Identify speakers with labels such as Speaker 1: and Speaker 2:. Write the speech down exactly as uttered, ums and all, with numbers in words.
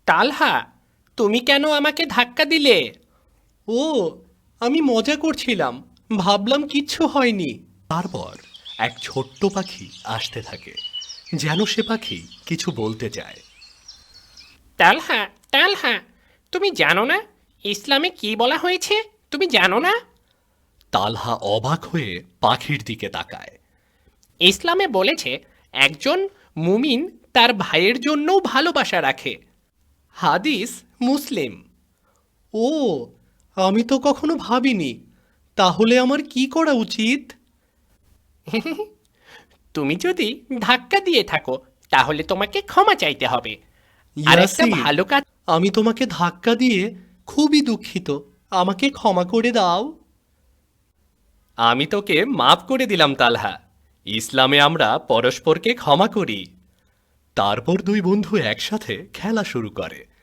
Speaker 1: তালহা, তুমি কেন আমাকে ধাক্কা দিলে?
Speaker 2: ও, আমি মজা করছিলাম, ভাবলাম কিচ্ছু হয়নি। তারপর এক ছোট্ট পাখি আসতে থাকে, যেন সে পাখি কিছু বলতে চায়।
Speaker 1: তালহা, তালহা, তুমি জানো না ইসলামে কি বলা হয়েছে? তুমি জানো না?
Speaker 2: তালহা অবাক হয়ে পাখির দিকে তাকায়।
Speaker 1: ইসলামে বলেছে একজন মুমিন তার ভাইয়ের জন্যও ভালোবাসা রাখে।
Speaker 2: হাদিস মুসলিম। ও, আমি তো কখনো ভাবিনি। তাহলে আমার কি করা উচিত?
Speaker 1: তুমি যদি ধাক্কা দিয়ে থাকো তাহলে তোমাকে ক্ষমা চাইতে হবে। আর একটা
Speaker 2: ইয়াসিন,
Speaker 1: ভালো কাজ।
Speaker 2: আমি তোমাকে ধাক্কা দিয়ে খুবই দুঃখিত, আমাকে ক্ষমা করে দাও। আমি তোকে মাফ করে দিলাম তালহা। ইসলামে আমরা পরস্পরকে ক্ষমা করি। তারপর দুই বন্ধু একসাথে খেলা শুরু করে।